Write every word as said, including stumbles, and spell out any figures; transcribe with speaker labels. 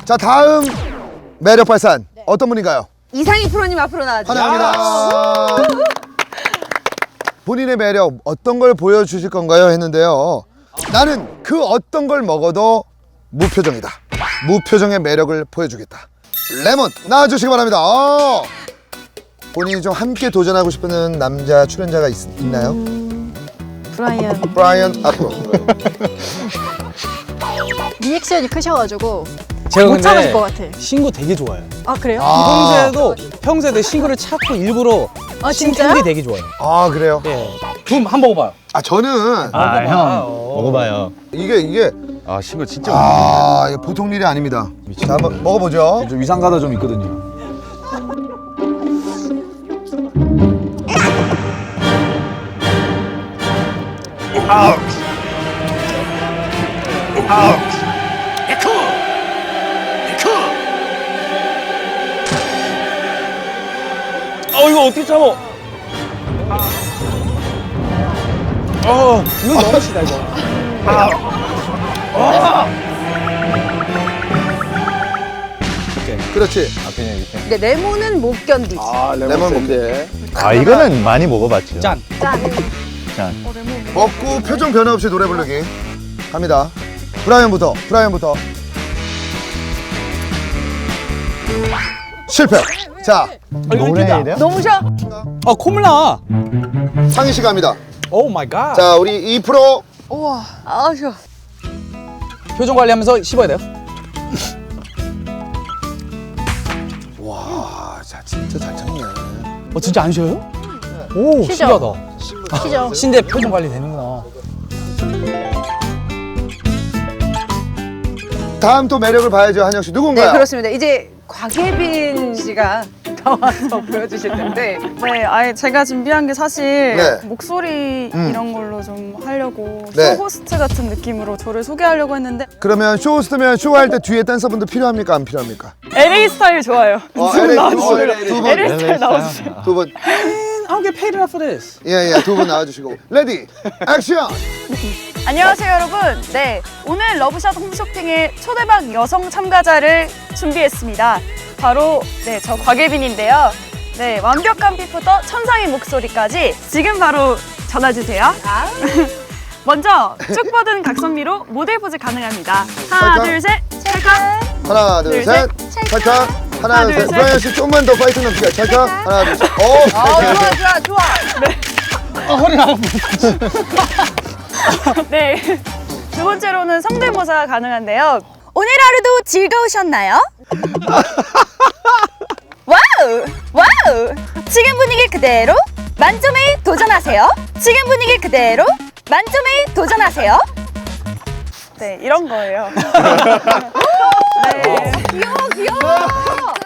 Speaker 1: 자, 다음 매력 발산 어떤 분인가요?
Speaker 2: 이상희 프로님 앞으로 나와주세요.
Speaker 1: 환영합니다. 본인의 매력 어떤 걸 보여주실 건가요? 했는데요. 나는 그 어떤 걸 먹어도 무표정이다. 무표정의 매력을 보여주겠다. 레몬 나와주시기 바랍니다. 어. 본인이 좀 함께 도전하고 싶은 남자 출연자가 있, 있나요?
Speaker 3: 음, 브라이언.
Speaker 1: 브라이언 앞으로.
Speaker 3: 리액션이 크셔가지고
Speaker 4: 제가
Speaker 3: 못
Speaker 4: 근데
Speaker 3: 참으실 것 같아.
Speaker 4: 신구 되게 좋아해요.
Speaker 3: 아 그래요?
Speaker 1: 아,
Speaker 4: 평소에도 평소에도 신구를 찾고 일부러
Speaker 3: 아,
Speaker 4: 신
Speaker 3: 진짜요?
Speaker 4: 캔디 되게 좋아해요.
Speaker 1: 아 그래요?
Speaker 4: 예. 좀 한번 먹어봐요.
Speaker 1: 아 저는
Speaker 5: 아, 형
Speaker 4: 먹어봐요.
Speaker 5: 먹어봐요.
Speaker 1: 이게 이게
Speaker 5: 아, 신거 진짜
Speaker 1: 아 이게 보통 일이 아닙니다. 자 한번 먹어보죠.
Speaker 5: 좀 위상가다 좀 있거든요.
Speaker 4: 어 이거 어떻게 참어? 어 이거 너무 시다 이거.
Speaker 1: 그렇지.
Speaker 2: 네, 레몬은 못 견디지.
Speaker 1: 아 레몬 먹게.
Speaker 5: 아, 이거는 많이 먹어봤죠.
Speaker 4: 짠.
Speaker 2: 짠.
Speaker 5: 짠.
Speaker 1: 먹고 표정 변화 없이 노래 부르기 갑니다. 브라이언부터 브라이언부터 실패. 자
Speaker 4: 노래야 돼요?
Speaker 2: 너무 쉬어.
Speaker 4: 아 콧물 나.
Speaker 1: 상희 씨 갑니다.
Speaker 4: 오 마이 갓.
Speaker 1: 자 우리 이 프로
Speaker 2: 우와. 아, 쉬어.
Speaker 4: 표정 관리하면서 씹어야 돼요.
Speaker 1: 와, 자 진짜 잘 참네.
Speaker 4: 어 진짜 안 쉬어요? 오
Speaker 3: 쉬죠.
Speaker 4: 신기하다.
Speaker 3: 시죠.
Speaker 4: 신데 표정 관리 되는구나.
Speaker 1: 다음 또 매력을 봐야죠. 한영 씨 누군가요?
Speaker 2: 네, 그렇습니다. 이제 곽예빈 씨가 나와서 보여주실 텐데.
Speaker 6: 네, 아예 제가 준비한 게 사실
Speaker 1: 네.
Speaker 6: 목소리
Speaker 1: 음.
Speaker 6: 이런 걸로 좀 하려고
Speaker 1: 네.
Speaker 6: 쇼호스트 같은 느낌으로 저를 소개하려고 했는데
Speaker 1: 그러면 쇼호스트면 쇼할 때 뒤에 댄서분들 필요합니까? 안 필요합니까?
Speaker 6: 엘에이 스타일 좋아요.
Speaker 1: 어,
Speaker 6: 좀
Speaker 1: 엘에이
Speaker 6: 나와주세요.
Speaker 1: 두 분,
Speaker 6: 엘에이 스타일 나와주세요.
Speaker 1: 두 분,
Speaker 4: I'll get paid enough for this.
Speaker 1: 예, 예, 두 분 나와주시고 레디, 액션!
Speaker 6: 안녕하세요 여러분. 네, 오늘 러브샷 홈쇼핑의 초대박 여성 참가자를 준비했습니다. 바로 네, 저 곽예빈인데요. 네, 완벽한 피부부터 천상의 목소리까지 지금 바로 전화주세요. 먼저 쭉 뻗은 각선미로 모델 포즈 가능합니다. 하나,
Speaker 1: 찰칵.
Speaker 6: 둘, 셋, 찰칵.
Speaker 1: 하나, 둘,
Speaker 6: 둘,
Speaker 1: 셋, 찰칵. 하나,
Speaker 6: 하나,
Speaker 1: 둘,
Speaker 6: 둘,
Speaker 1: 셋.
Speaker 6: 셋.
Speaker 1: 브라이언 씨 좀만 더 파이팅 넘치게. 찰칵. 하나, 둘, 셋. 오,
Speaker 2: 아, 좋아, 좋아, 좋아.
Speaker 6: 네. 두 번째로는 성대모사 가능한데요. 오늘 하루도 즐거우셨나요? 와우! 와우! 지금 분위기 그대로 만점에 도전하세요. 지금 분위기 그대로 만점에 도전하세요. 네, 이런 거예요. 네.
Speaker 2: 귀여워, 귀여워.